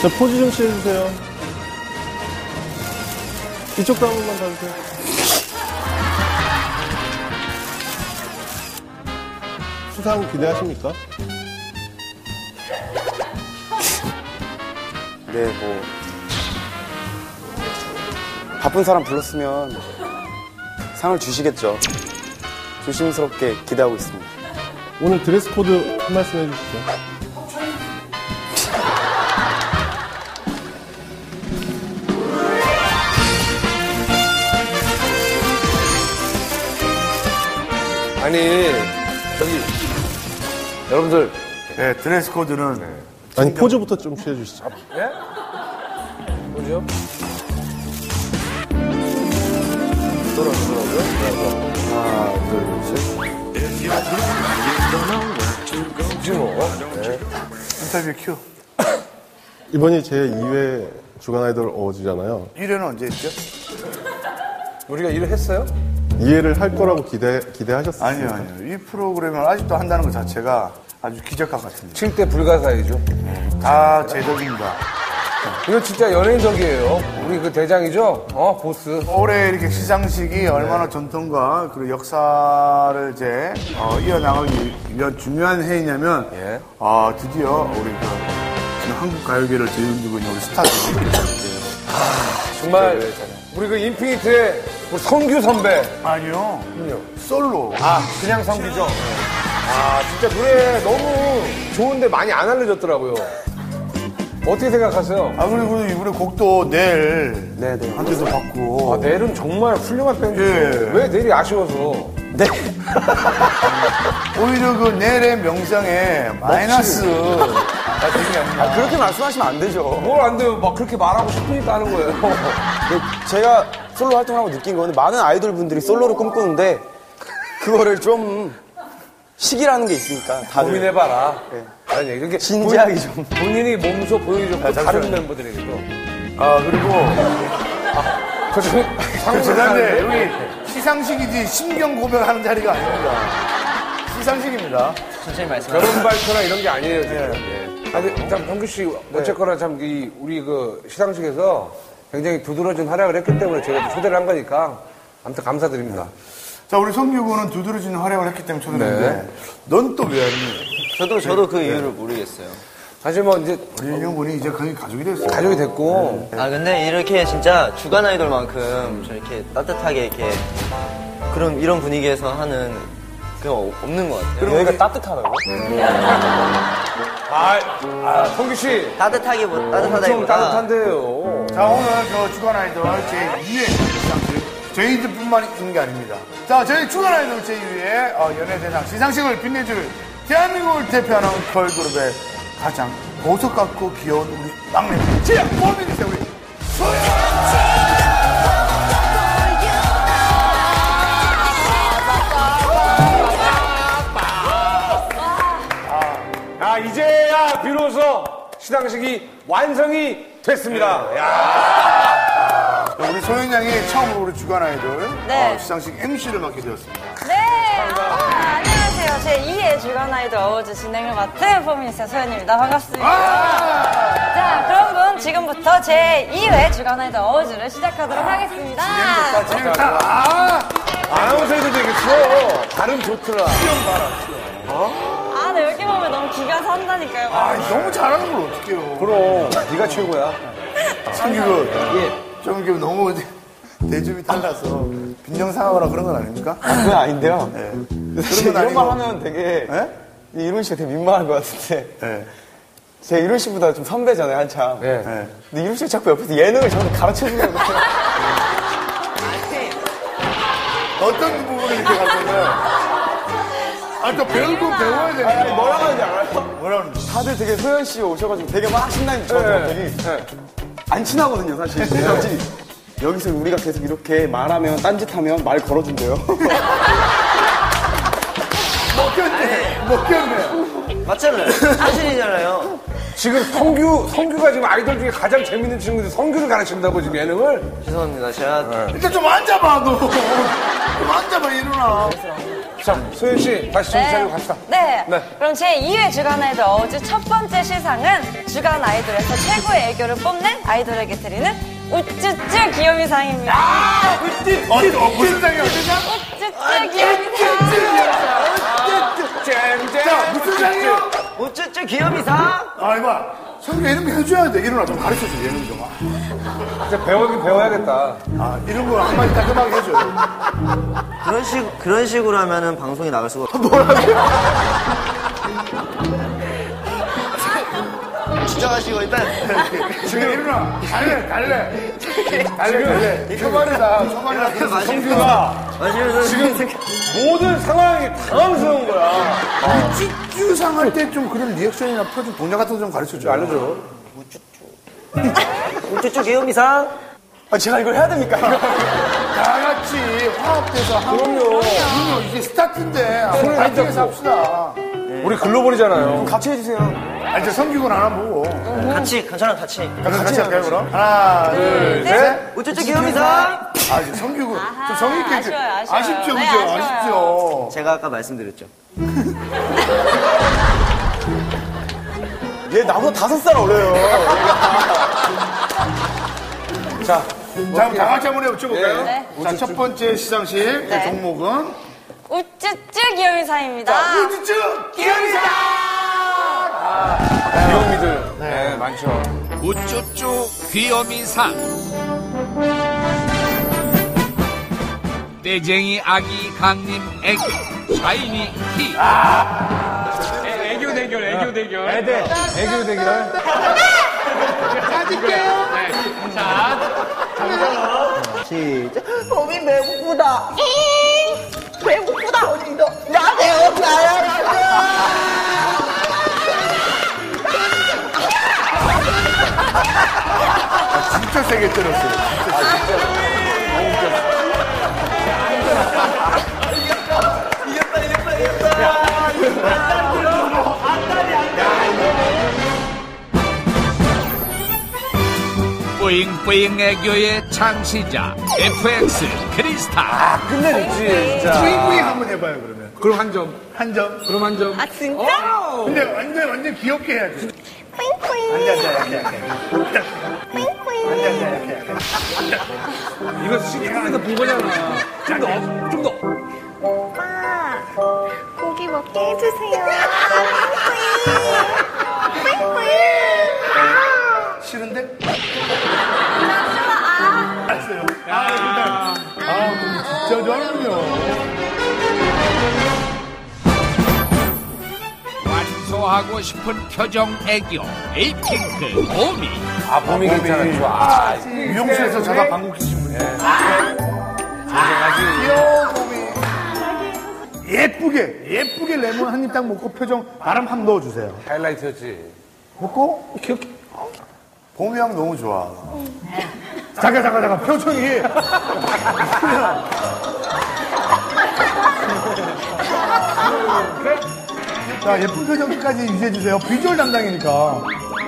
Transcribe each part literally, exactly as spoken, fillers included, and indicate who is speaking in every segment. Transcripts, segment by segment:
Speaker 1: 자, 포즈 좀 취해주세요. 이쪽도 한 번만 봐주세요. 수상 기대하십니까?
Speaker 2: 네, 뭐 바쁜 사람 불렀으면 상을 주시겠죠. 조심스럽게 기대하고 있습니다.
Speaker 1: 오늘 드레스 코드 한 말씀 해주시죠.
Speaker 3: 아니, 저기, 여러분들.
Speaker 4: 네, 드레스 코드는. 네.
Speaker 1: 아니, 포즈부터 좀 취해주시죠.
Speaker 3: 예? 뭐죠? 돌아오더라고요. 하나, 둘, 셋. 지금 뭐? 네.
Speaker 4: 인터뷰 큐.
Speaker 1: 이번이 제이 회 주간 아이돌 어워즈잖아요.
Speaker 4: 일 회는 언제 했죠?
Speaker 3: 우리가 일을 했어요?
Speaker 1: 이 회를 할 거라고 기대, 기대하셨어요?
Speaker 4: 아니요, 아니요. 이 프로그램을 아직도 한다는 것 자체가 아주 기적과 같습니다.
Speaker 3: 칠 대 불가사의죠.
Speaker 4: 다 제적입니다.
Speaker 3: 이거 진짜 연예인적이에요. 우리 그 대장이죠? 어, 보스.
Speaker 4: 올해 이렇게 시상식이 얼마나 전통과 그리고 역사를 이제 어, 이어나가기 위한 중요한 해이냐면
Speaker 3: 예.
Speaker 4: 아, 드디어 우리 그 지금 한국 가요계를 뒤흔들고 있는 우리 스타들이
Speaker 3: 정말 우리 그 인피니트의 우리 성규 선배.
Speaker 4: 아니요. 솔로.
Speaker 3: 아, 그냥 성규죠? 아, 진짜 노래 너무 좋은데 많이 안 알려졌더라고요. 어떻게 생각하세요?
Speaker 4: 아, 그리고 이번에 곡도 내일
Speaker 2: 네네.
Speaker 4: 한 대도 받고.
Speaker 3: 아, 넬은 정말 훌륭한 밴드.
Speaker 4: 예.
Speaker 3: 왜 넬이 아쉬워서?
Speaker 2: 네.
Speaker 4: 오히려 그 내일의 명성에 마이너스가 되게 아니냐.
Speaker 2: 아, 그렇게 말씀하시면 안 되죠.
Speaker 3: 뭘 안 돼요? 막 그렇게 말하고 싶으니까 하는 거예요.
Speaker 2: 제가 솔로 활동을 하고 느낀 거는 많은 아이돌 분들이 솔로를 꿈꾸는데 그거를 좀 시기라는 게 있으니까 다들
Speaker 3: 고민해봐라.
Speaker 2: 네.
Speaker 3: 아니, 이렇게
Speaker 2: 진지하게
Speaker 3: 본,
Speaker 2: 좀.
Speaker 3: 본인이 몸소 보여줬고
Speaker 4: 아,
Speaker 3: 다른 멤버들에게도.
Speaker 4: 아, 그리고
Speaker 3: 저 지금
Speaker 4: 그 죄송한데 여기 시상식이지 심경 고백하는 자리가 아닙니다. 시상식입니다.
Speaker 5: 천천히 말씀.
Speaker 3: 결혼 발표나 이런 게 아니에요, 지금.
Speaker 4: 네.
Speaker 3: 예. 아니, 참, 성규 씨, 어쨌거나 참, 이, 우리 그 시상식에서 굉장히 두드러진 활약을 했기 때문에 제가 초대를 한 거니까 아무튼 감사드립니다.
Speaker 4: 자, 우리 성규군은 두드러지는 활약을 했기 때문에 초대했는데
Speaker 3: 네.
Speaker 4: 넌 또 왜 왔니?
Speaker 5: 저도, 저도 그 이유를 모르겠어요.
Speaker 3: 사실 뭐 이제
Speaker 4: 우리 형군이 이제 거의 가족이 됐어요.
Speaker 3: 가족이 됐고.
Speaker 5: 아, 근데 이렇게 진짜 주간 아이돌만큼 저 이렇게 따뜻하게 이렇게 그런, 이런 분위기에서 하는 그게 없는 것 같아요.
Speaker 2: 여기가 따뜻하다고?
Speaker 3: 아, 아, 성규 씨.
Speaker 5: 따뜻하게, 뭐,
Speaker 3: 엄청
Speaker 5: 따뜻하다기보다.
Speaker 3: 따뜻한데요.
Speaker 4: 자, 오늘 저 주간 아이돌 제이 회 시상식 저희들뿐만 있는 게 아닙니다. 자, 저희 주간 아이돌 제이 회 어, 연예대상 시상식을 빛내줄 대한민국을 대표하는 걸그룹의 가장 보석 같고 귀여운 우리 막내 제 모습이세요, 우리 소연.
Speaker 3: 아, 이제야 비로소 시상식이 완성이 됐습니다.
Speaker 4: 네.
Speaker 3: 야.
Speaker 4: 우리 소연 양이 처음으로 우리 주간 아이돌
Speaker 6: 네.
Speaker 4: 어, 시상식 엠시를 맡게 되었습니다.
Speaker 6: 네. 아, 안녕하세요. 제이 회 주간 아이돌 어워즈 진행을 맡은 포미니스트 소연입니다. 반갑습니다.
Speaker 4: 아!
Speaker 6: 자, 그럼 지금부터 제이 회 주간 아이돌 어워즈를 시작하도록 하겠습니다.
Speaker 4: 재밌다. 아!
Speaker 3: 아나운서 해도 되겠어. 발음 좋더라.
Speaker 6: 아, 네, 여기 보면 너무 기가 산다니까요.
Speaker 4: 아, 너무 잘하는 걸 어떡해요.
Speaker 3: 그럼 네가 최고야.
Speaker 4: 성규군, 좀 이렇게 너무 대접이 달라서 빈정상하거나 그런 건 아닙니까?
Speaker 2: 아, 그건 아닌데요.
Speaker 4: 네.
Speaker 2: 사실
Speaker 4: 그런 건
Speaker 2: 이런 말
Speaker 4: 아니고.
Speaker 2: 하면 되게
Speaker 4: 네?
Speaker 2: 이룬 씨가 되게 민망할 것 같은데
Speaker 4: 네.
Speaker 2: 제가 이룬 씨보다 좀 선배잖아요, 한참.
Speaker 3: 네.
Speaker 4: 네.
Speaker 2: 근데 이룬 씨가 자꾸 옆에서 예능을 저한테 가르쳐주려고
Speaker 4: 어떤 부분을 이렇게 가르쳐요? 아, 또 배우고 배워야
Speaker 2: 아니,
Speaker 4: 되니까.
Speaker 2: 뭐라고 하는지 알아요?
Speaker 4: 뭐라고 하는지.
Speaker 2: 다들 되게 소연 씨 오셔가지고 되게 막 신나게 저한테 되게 안 친하거든요, 사실. 근데 여기서 우리가 계속 이렇게 말하면, 딴짓하면 말 걸어준대요.
Speaker 4: 먹혔네. 먹혔네.
Speaker 5: 맞잖아요. 사실이잖아요.
Speaker 3: 지금 성규, 성규가 지금 아이돌 중에 가장 재밌는 친구인데 성규를 가르친다고 지금 예능을?
Speaker 5: 죄송합니다. 제가
Speaker 4: 일단 좀 앉아봐, 너. 좀 앉아봐, 일어나.
Speaker 3: 자, 소연 씨, 다시 정신 차리고 갑시다.
Speaker 6: 네.
Speaker 3: 네.
Speaker 6: 그럼 제이 회 주간 아이돌 어워즈 첫 번째 시상은 주간 아이돌에서 최고의 애교를 뽐낸 아이돌에게 드리는 우쭈쭈 귀요미상입니다.
Speaker 4: 어, 어, 무슨 상이야, 무슨 상?
Speaker 6: 우쭈쭈 귀요미상.
Speaker 4: 자, 무슨 상이요?
Speaker 5: 우쭈쭈 귀요미상.
Speaker 4: 아, 이봐. 성규 이런 거 해줘야 돼. 이런 거 좀 가르쳐줘, 예능 좀.
Speaker 3: 진짜 배우긴 배워야겠다.
Speaker 4: 아, 이런 거 한마디 따끔하게 해줘요.
Speaker 5: 그런 식 그런 식으로 하면은 방송에 나갈 수가 없어. 진정하시고 일단
Speaker 4: 지금 일어나. 갈래, 갈래. 갈래, 갈래. 초반이다, 초반이다. 그래서 성규가
Speaker 5: 마시면서 지금
Speaker 3: 모든 상황이 당황스러운 거야.
Speaker 4: 쭈쭈상 할 때 좀 그런 리액션이나 표정, 동작 같은 거 좀 가르쳐줘.
Speaker 3: 알려줘.
Speaker 5: 우쭈쭈 귀요미상.
Speaker 2: 아, 제가 이걸 해야 됩니까?
Speaker 4: 다 같이 화합돼서 하고. 그럼요. 그럼요. 이게 스타트인데. 파이팅해서 합시다.
Speaker 3: 우리 글로벌이잖아요.
Speaker 2: 같이 해주세요.
Speaker 4: 아, 이제 성규군 하나 보고.
Speaker 5: 같이 저랑 같이.
Speaker 4: 같이 할까요, 그럼? 하나, 둘, 셋.
Speaker 5: 우쭈쭈 귀요미상.
Speaker 4: 아, 이제 성규군. 좀 성의있게.
Speaker 6: 아쉬워요, 아쉬워요.
Speaker 4: 아쉽죠,
Speaker 6: 네,
Speaker 4: 그죠?
Speaker 6: 아쉬워요.
Speaker 4: 아쉽죠.
Speaker 5: 제가 아까 말씀드렸죠.
Speaker 2: 얘 나보다 다섯 살 어려요.
Speaker 3: 자,
Speaker 4: 자, 그럼 다 같이 한번 해볼까요?
Speaker 6: 네.
Speaker 4: 자, 첫 번째 시상식
Speaker 6: 네.
Speaker 4: 종목은
Speaker 6: 우쭈쭈 귀요미상입니다.
Speaker 4: 우쭈쭈 귀요미상!
Speaker 3: 귀요미들. 네, 많죠.
Speaker 7: 우쭈쭈 귀요미상. 떼쟁이 아기 강림 애교 샤이니 키.
Speaker 8: 애교 대결, 애교 대결.
Speaker 3: 애대, 애교 대결.
Speaker 5: 시작. 몸이 배고프다. 배고프다. 어디도 나세요. 나야.
Speaker 4: 진짜 세게 때렸어요. 진짜 세게.
Speaker 7: 뿌잉뿌잉 애교의 창시자 에프엑스 크리스타.
Speaker 3: 끝내줬지, 진짜.
Speaker 4: 뿌잉뿌잉 한번 해봐요, 그러면.
Speaker 3: 그럼 한 점.
Speaker 4: 한 점.
Speaker 3: 그럼 한 점.
Speaker 6: 아, 진짜?
Speaker 4: 근데 완전, 완전 귀엽게 해야지.
Speaker 6: 뿌잉뿌잉.
Speaker 4: 앉아, 앉아, 약해, 약해.
Speaker 6: 뿌잉뿌잉.
Speaker 4: 앉아, 앉아, 약해, 약해.
Speaker 3: 이거 시간에서 본 거잖아. 좀 더, 좀 더.
Speaker 6: 오빠, 고기 먹게 해주세요. 뿌잉뿌잉.
Speaker 4: 싫은데?
Speaker 6: 나 싫어.
Speaker 4: 알았어요. 아, 일단. 아, 그럼 진짜 좋아하는군요.
Speaker 7: 완소하고 싶은 표정 애교 에이핑크 오미.
Speaker 3: 아, 봄이 괜찮아. 좋아. 아,
Speaker 4: 미용실에서 자다 방구 끼신 분이에요. 귀여워, 봄이. 예쁘게, 예쁘게 레몬 한 입 딱 먹고 표정 바람 한번 넣어주세요.
Speaker 3: 하이라이트였지.
Speaker 4: 먹고, 귀엽게. 봄이 형 너무 좋아. 잠깐, 잠깐, 잠깐. 표정이. 자, 예쁜 표정 끝까지 유지해주세요. 비주얼 담당이니까.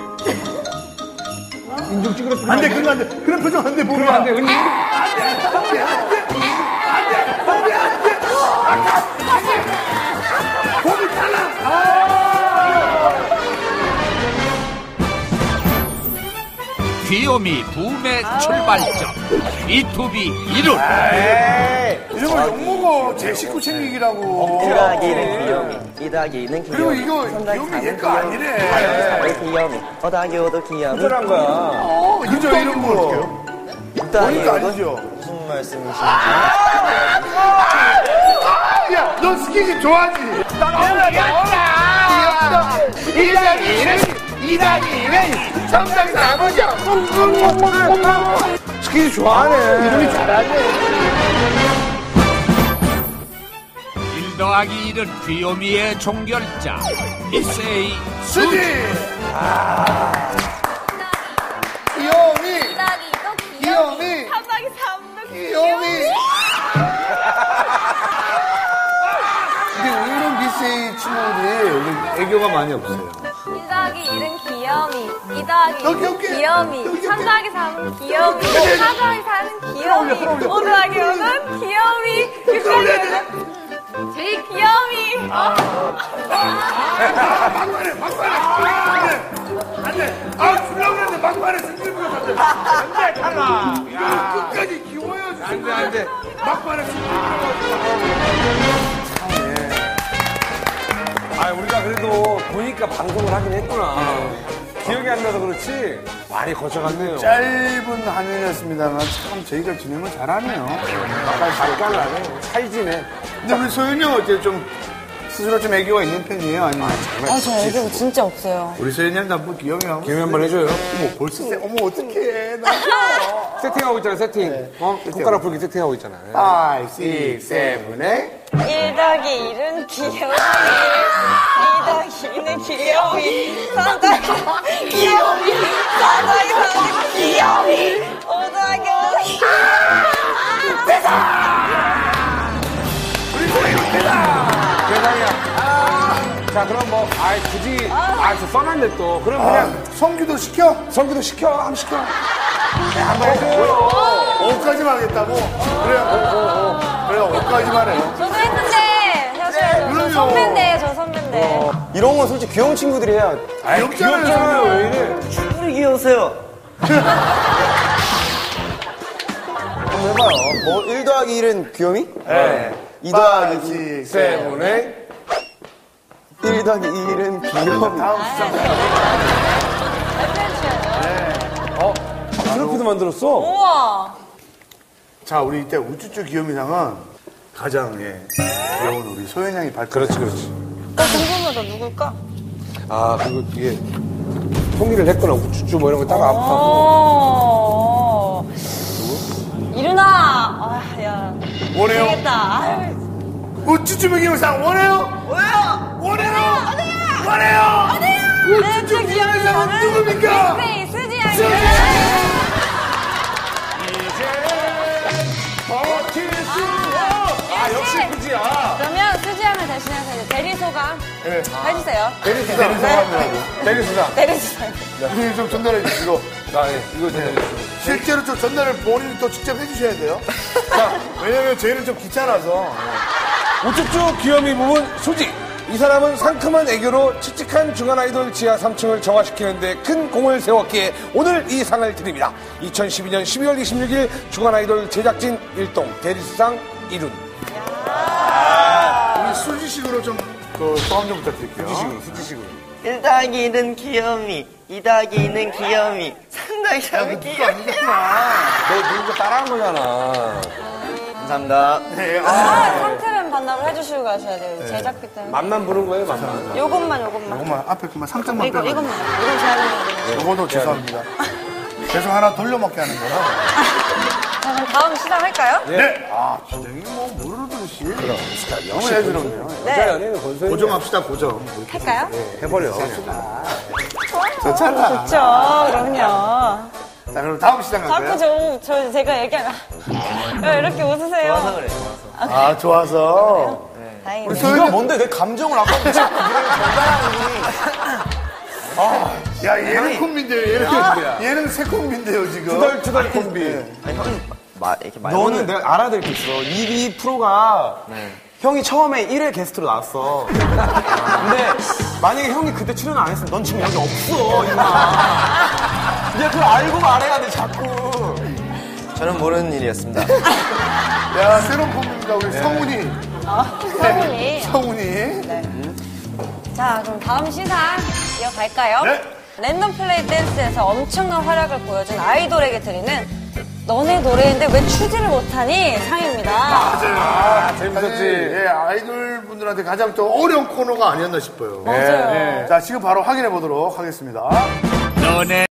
Speaker 3: 인중 찌그러
Speaker 4: 안 돼, 그러면 안 돼. 그런 표정 안 돼, 봄이 안 돼.
Speaker 3: 은희.
Speaker 4: 봄이 탈락!
Speaker 7: 귀요미 붐의 출발점 비투비 이룰.
Speaker 4: 이런 거 욕먹어. 제 식구 챙기기라고.
Speaker 5: 일 더하기 일은 귀요미. 이 더하기 이는
Speaker 4: 그리고
Speaker 5: 귀요미.
Speaker 4: 이거
Speaker 5: 삼 더하기
Speaker 4: 귀요미
Speaker 5: 사는
Speaker 4: 얘거 아니래.
Speaker 5: 사는 귀요미. 오 더하기 오도 귀요미.
Speaker 3: 특별한 거야.
Speaker 4: 어, 이거 이런 거 어떡해요?
Speaker 5: 육 더하기
Speaker 4: 이거
Speaker 5: 오도
Speaker 4: 아니죠?
Speaker 5: 무슨 말씀이신지.
Speaker 4: 야, 너 스킨십 좋아하지? 귀엽다. 일 더하기 일은 이 더하기 일은 삼 더하기 사분이야.
Speaker 3: 스킨 좋아하네.
Speaker 4: 이름이 잘하네.
Speaker 7: 일 더하기 일은 귀요미의 종결자 이세이
Speaker 4: 수지! 귀요미! 귀요미!
Speaker 6: 삼박이 삼도
Speaker 4: 귀요미! 근데 이런 비세이 친구들이 애교가 많이 없어요.
Speaker 6: 일 더하기 일은 귀요미, 이 더하기
Speaker 4: 너
Speaker 6: 이는
Speaker 4: 귀엽게.
Speaker 6: 귀요미,
Speaker 4: 너 귀엽게.
Speaker 6: 삼 더하기 삼은 귀요미,
Speaker 4: 그래.
Speaker 6: 사 더하기 사는 귀요미,
Speaker 4: 끌어올려, 끌어올려.
Speaker 6: 오 더하기 오는 귀요미, 육 더하기 오는 제일 귀여움이.
Speaker 4: 막말해, 막말해. 안 돼. 안 돼. 아, 주려고 그랬는데 막말해. 승질부려 안 돼. 안 돼, 탈락. 이거 끝까지 키워야지.
Speaker 3: 안 돼, 안 돼.
Speaker 4: 막말해, 승질부려.
Speaker 3: 아, 우리가 그래도 보니까 방송을 하긴 했구나. 기억이 안 나서 그렇지 많이 거쳐갔네요.
Speaker 4: 짧은 한 년이었습니다만 참 저희가 진행을 잘하네요.
Speaker 3: 깔깔나네. 찰지네.
Speaker 4: 근데 우리 소연이 형 어때요? 좀 스스로 좀 애교가 있는 편이에요? 아니면?
Speaker 6: 아, 저 애교 진짜 없어요.
Speaker 4: 우리 소연이 형도 한번 귀여움이 한번.
Speaker 3: 기회 한번 해줘요.
Speaker 4: 어머, 벌써 세, 어머, 어떡해. 나
Speaker 3: 세팅하고 있잖아, 세팅. 어? 손가락 풀기 세팅하고 있잖아.
Speaker 4: 오, 육, 칠, 팔
Speaker 6: 일 더하기 일은 귀여움이. 이 더하기 이는 귀여움이. 삼 더하기 귀여움이. 사 더하기 사는 귀여움이. 오 더하기 오는
Speaker 3: 대상이야. 아, 자, 그럼 뭐, 아이, 굳이, 아, 저 써놨네 또. 그럼 그냥
Speaker 4: 성규도 시켜?
Speaker 3: 성기도 시켜. 한번 시켜. 네, 한번 해줘요.
Speaker 4: 오까지만 하겠다고? 그래, 오, 오, 오. 그래, 오까지만 해요.
Speaker 6: 저도 했는데 사실 저 선배인데 저 선배인데
Speaker 2: 이런 건 솔직히 귀여운 친구들이 해야.
Speaker 4: 귀엽잖아요.
Speaker 3: 왜 이래?
Speaker 5: 우리 귀여우세요.
Speaker 2: 한번 해봐요. 뭐, 일 더하기 일은 귀요미?
Speaker 4: 네.
Speaker 2: 이 더하기
Speaker 4: 오, 육,
Speaker 3: 세븐에
Speaker 2: 일 더하기 일은 귀요미.
Speaker 3: 트로피도 만들었어?
Speaker 6: 우와
Speaker 4: 자, 우리 이때 우쭈쭈 귀요미상은 가장, 예, 귀여운 우리 소연 양이 발표.
Speaker 3: 그렇지, 그렇지.
Speaker 6: 나 궁금하다 누굴까?
Speaker 3: 아, 그리고 이게, 통일을 했거나, 우쭈쭈 뭐 이런 거 딱 아파서.
Speaker 6: 어 일어나 아, 야
Speaker 4: 원해요?
Speaker 6: 되겠다 아유.
Speaker 4: 우쭈쭈 귀요미상 원해요? 원해요! 원해요! 원해요! 우쭈쭈 귀요미상은 누굽니까?
Speaker 6: 네, 수지 양이
Speaker 3: 아, 역시 그지야.
Speaker 6: 그러면 수지 양을 대신해서 이제 대리소감
Speaker 4: 네.
Speaker 6: 해주세요.
Speaker 3: 대리수당.
Speaker 4: 대리수당.
Speaker 3: 대리수당.
Speaker 6: 대리소감.
Speaker 4: 우리 좀 전달해 주시고.
Speaker 3: 아, 예. 이거 대리수당.
Speaker 4: 실제로 좀 전달을 본인이 또 직접 해주셔야 돼요. 자, 왜냐면 저희는 좀 귀찮아서.
Speaker 3: 우쭈쭈 귀요미 부분 수지. 이 사람은 상큼한 애교로 칙칙한 중간 아이돌 지하 삼 층을 정화시키는데 큰 공을 세웠기에 오늘 이 상을 드립니다. 이천십이 년 십이월 이십육일 중간 아이돌 제작진 일동 대리수상 일훈.
Speaker 4: 우리 수지식으로 좀, 그, 소감 좀 부탁드릴게요.
Speaker 3: 수지식으로, 수지식으로.
Speaker 5: 일 더하기 일은 귀요미, 이 더하기 이는 귀요미, 삼 더하기 삼은 귀요미.
Speaker 3: 너 누군가 따라한 거잖아.
Speaker 5: 감사합니다.
Speaker 4: 네, 아,
Speaker 6: 아, 상태면 반납을 해주시고 가셔야 돼요. 제작비 때문에.
Speaker 3: 맘만 부른 거예요, 맘만.
Speaker 6: 요것만 요것만.
Speaker 4: 이것만, 앞에 그만 삼 점만
Speaker 6: 이거
Speaker 4: 빼고.
Speaker 6: 이것만. 이건 제가 하는 거예요.
Speaker 4: 요거도 죄송합니다. 계속 하나 돌려먹게 하는 거라.
Speaker 6: 자, 그럼 다음 시작할까요?
Speaker 4: 네. 아, 진행이 뭐, 모르듯이. 그럼. 너무 애들었네요.
Speaker 3: 여자
Speaker 6: 네.
Speaker 3: 연예인은 건설이
Speaker 4: 고정합시다, 고정.
Speaker 6: 할까요?
Speaker 3: 해버려.
Speaker 4: 좋잖아.
Speaker 6: 좋죠. 그럼요.
Speaker 4: 자, 그럼 다음 시장
Speaker 6: 자꾸
Speaker 4: 갈까요?
Speaker 6: 저, 저 제가 얘기하면 왜 이렇게 웃으세요?
Speaker 5: 좋아서 그래, 좋아서.
Speaker 4: 아, 좋아서.
Speaker 6: 다행이네.
Speaker 2: 네가 뭔데 내 감정을 아까부터 자꾸
Speaker 4: 야, 얘는 콤비인데요, 얘는. 얘는 새 콤비인데요, 지금.
Speaker 3: 투덜투덜 콤비.
Speaker 5: 아니, 형이 마, 이렇게 말
Speaker 2: 너는 내가 알아야 될 게 있어. 이, 이 프로가
Speaker 5: 네.
Speaker 2: 형이 처음에 일 회 게스트로 나왔어. 근데 만약에 형이 그때 출연 안 했으면 넌 지금 여기 없어, 임마. 이제 그걸 알고 말해야 돼, 자꾸.
Speaker 5: 저는 모르는 일이었습니다.
Speaker 4: 야, 새로운 콤비입니다, 우리 성훈이.
Speaker 6: 아, 성훈이.
Speaker 4: 성훈이.
Speaker 6: 자, 그럼 다음 시상 이어갈까요?
Speaker 4: 네.
Speaker 6: 랜덤 플레이 댄스에서 엄청난 활약을 보여준 아이돌에게 드리는 너네 노래인데 왜 추지를 못하니? 상입니다.
Speaker 4: 맞아요.
Speaker 3: 아, 재밌었지.
Speaker 4: 사실, 예, 아이돌 분들한테 가장 또 어려운 코너가 아니었나 싶어요.
Speaker 6: 맞아요.
Speaker 4: 네. 자, 지금 바로 확인해 보도록 하겠습니다.
Speaker 7: 너네